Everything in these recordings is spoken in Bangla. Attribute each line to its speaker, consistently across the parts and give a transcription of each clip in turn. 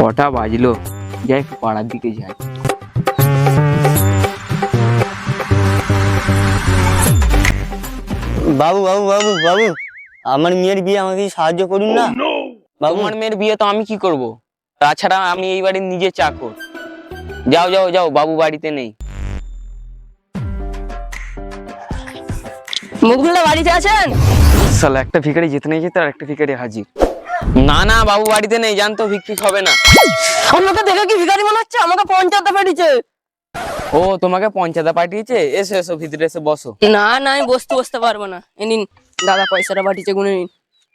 Speaker 1: কটা বাজলো, যাই একটু পাড়ার দিকে যাই।
Speaker 2: বাবু বাবু বাবু বাবু, আমার মেয়ের বিয়ে আমাকে সাহায্য করুন না। বাবু,
Speaker 1: তোমার মেয়ের বিয়ে তো আমি কি করব? তাছাড়া আমি এই বাড়ির নিজে চাকর। যাও যাও যাও, বাবু বাড়িতে নেই।
Speaker 3: মুখগুলো বাড়িতে আছেন?
Speaker 1: সালা, একটা ভিখারি যেতে নেই যেতে আর একটা ভিখারি হাজির। না না, বাবু বাড়িতে নেই, জানতো ভিক্ষিক হবে না।
Speaker 3: আমাকে দেখে কি ভিখারি মনে হচ্ছে? আমাকে পঞ্চায়েতে পাঠিয়েছে।
Speaker 1: ও, তোমাকে পঞ্চায়েতে পাঠিয়েছে? এসো এসো, ভিতরে এসে বসো।
Speaker 3: না না, আমি বসতে পারবো না। এ নিন দাদা, পয়সাটা পাঠিয়েছে, গুনে নিন।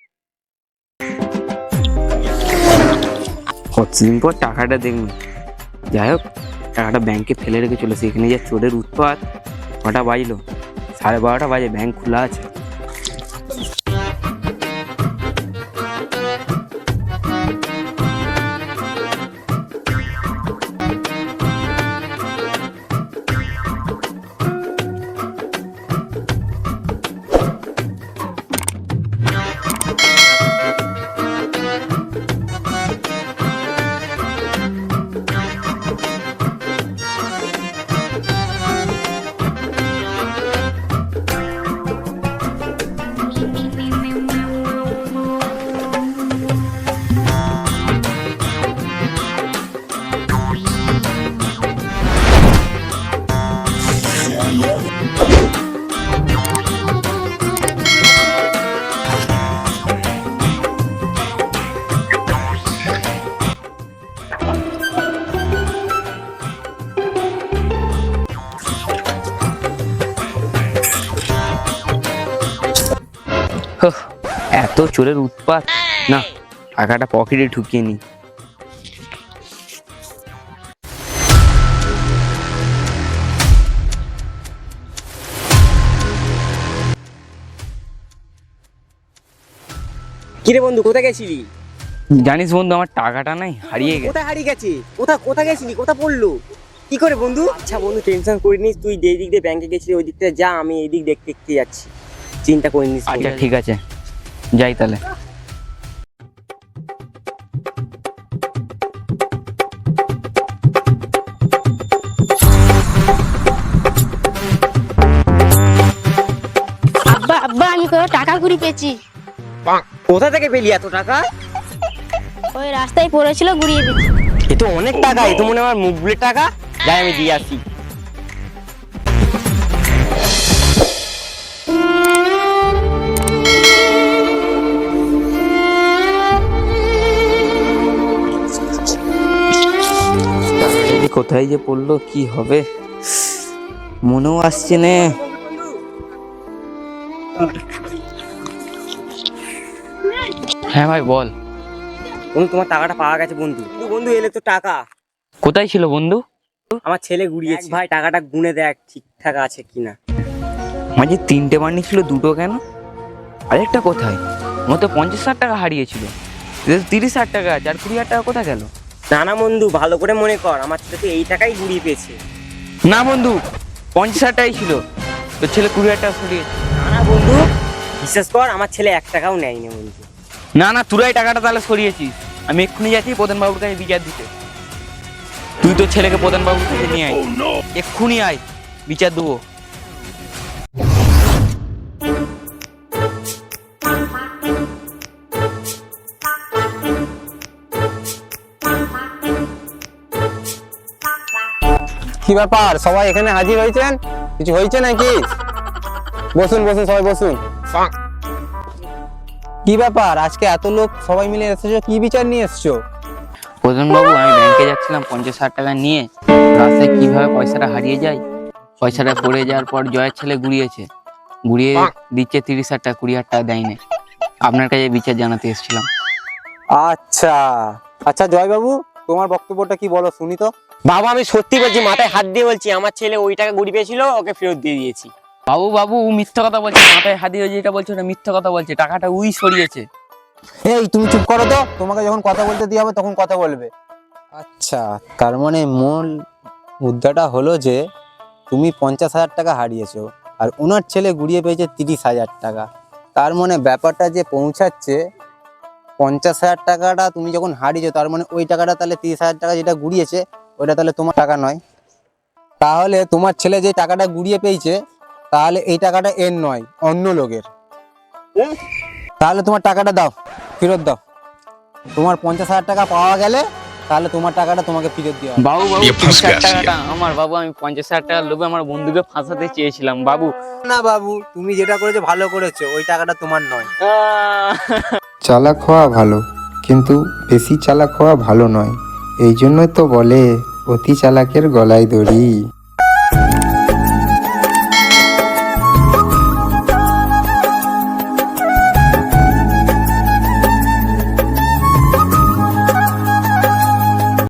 Speaker 1: কতদিন পর টাকাটা দেখুন। যাই হোক, টাকাটা ব্যাংকে ফেলে রেখে চলেছে। এখানে যা চোরের উৎপাত। কটা বাজলো? 12:30 বাজে, ব্যাংক খোলা আছে। হোহ, এত চোরের উৎপাত না, টাকাটা পকেটে ঢুকিয়ে নি।
Speaker 2: কিরে বন্ধু, কোথায় গেছিলি?
Speaker 1: জানিস বন্ধু, আমার টাকাটা নাই, হারিয়ে গেছে।
Speaker 2: কোথায় হারিয়ে গেছে? কোথায় গেছিলি? কোথায় পড়লো? কি করে বন্ধু? আচ্ছা বন্ধু, টেনশন করিনিস, তুই যেই দিক দিয়ে ব্যাংকে গেছিলি ওই দিকটা যা, আমি এই দিক দেখতে দেখতে যাচ্ছি। চিন্তা করিনিস।
Speaker 1: আচ্ছা ঠিক আছে, যাই তাহলে।
Speaker 4: আব্বা আব্বা, আমি কোনো টাকা কুড়ি পেয়েছি।
Speaker 2: কোথা থেকে পেলি এত টাকা?
Speaker 4: ওই রাস্তায় পড়েছিল, ঘুরিয়ে পেয়েছি।
Speaker 2: এ তো অনেক টাকা, এ তো মনে হয় আমার মুখ বুলের টাকা। যাই আমি দিয়ে আসি।
Speaker 1: কোথায় যে পড়লো, কি হবে মনেও আসছে না। হ্যাঁ ভাই বল।
Speaker 2: বন্ধু, তোমার টাকাটা পাওয়া গেছে বন্ধু। বন্ধু এলে তো টাকা।
Speaker 1: কোথায় ছিল বন্ধু?
Speaker 2: আমার ছেলে গুড়িয়েছে ভাই, টাকাটা গুনে দেখ ঠিকঠাক আছে কিনা।
Speaker 1: মাঝে 3টে বান্ডি ছিল, 2টো কেন? আরেকটা কোথায়? মতো 50,000 টাকা হারিয়েছিল, 30,000 টাকা আছে, আর 20,000 টাকা কোথায় গেল?
Speaker 2: না না বন্ধু, ভালো করে মনে কর, আমার ছেলে তো এই টাকাই গুড়িয়ে পেয়েছে।
Speaker 1: না বন্ধু, 50,000 টাকাই ছিল, তোর ছেলে 20,000 টাকা সরিয়েছে।
Speaker 2: না না বন্ধু, বিশ্বাস কর, আমার ছেলে 1 টাকাও নেয়নি বন্ধু।
Speaker 1: না না, তোরাই টাকাটা তাহলে সরিয়েছিস। আমি এক্ষুনি যাচ্ছি প্রধান বাবুর কাছে বিচার দিতে। তুই তোর ছেলেকে প্রধান বাবুর কাছে নিয়ে আয়, এক্ষুনি আয়, বিচার দেবো।
Speaker 5: কি ব্যাপার, সবাই এখানে হাজির হয়েছেন? কিছু হয়েছে নাকি? বসুন বসুন, সবাই বসুন। কি ব্যাপার, আজকে এত লোক সবাই মিলে এসেছো, কি বিচার নিয়ে এসছো?
Speaker 1: প্রধান বাবু, আমি ব্যাংকে যাচ্ছিলাম 50,000 টাকা নিয়ে, রাস্তায় কিভাবে পয়সাটা হারিয়ে যায়। পয়সাটা পড়ে যাওয়ার পর জয়ের ছেলে গুড়িয়েছে, গুড়িয়ে দিচ্ছে 30,000 টাকা, 20,000 টাকা দেয়নি। আপনার কাছে বিচার জানাতে এসেছিলাম।
Speaker 5: আচ্ছা আচ্ছা, জয়বাবু, তোমার বক্তব্যটা কি বলো শুনি তো।
Speaker 2: বাবা, আমি সত্যি বলছি, মাথায় হাত দিয়ে বলছি, আমার ছেলে ওই টাকা গুড়ি পেয়েছিল, ওকে ফেরত দিয়ে দিয়েছি।
Speaker 1: বাবু বাবু, ও মিথ্যা কথা বলছে, মাথায় হাত দিয়ে যেটা বলছে ওটা মিথ্যা কথা বলছে, টাকাটা উই সরিয়েছে।
Speaker 5: এই তুমি চুপ করো তো, তোমাকে যখন কথা বলতে দেওয়া হবে তখন কথা বলবে। আচ্ছা, তার মানে মূল মুদ্রাটা হলো যে তুমি 50,000 টাকা হারিয়েছো, আর ওনার ছেলে গুড়িয়ে পেয়েছে 30,000 টাকা। তার মানে ব্যাপারটা যে পৌঁছাচ্ছে 50,000 টাকাটা তুমি যখন হারিয়েছো, তার মানে ওই টাকাটা তাহলে 30,000 টাকা যেটা গুড়িয়েছে ওইটা তাহলে তোমার টাকা নয়। তাহলে তোমার ছেলে যে টাকাটা গুড়িয়ে পেয়েছে, তাহলে এই টাকাটা এর নয়, অন্য লোকের। তাহলে তোমার টাকাটা দাও, ফেরত দাও। তোমার 50,000 টাকা পাওয়া গেলে তাহলে তোমার টাকাটা তোমাকে ফেরত দেওয়া হবে।
Speaker 1: বাবু 30,000 টাকাটা আমার। বাবু আমি 50,000 টাকার লোভে আমার বন্ধুকে ফাঁসাতে চেয়েছিলাম বাবু।
Speaker 5: না বাবু, তুমি যেটা করেছো ভালো করেছো, ওই টাকাটা তোমার নয়।
Speaker 6: চালাক হওয়া ভালো, কিন্তু বেশি চালাক হওয়া ভালো নয়। এই জন্যই তো বলে অতি চালাকের গলায় দড়ি।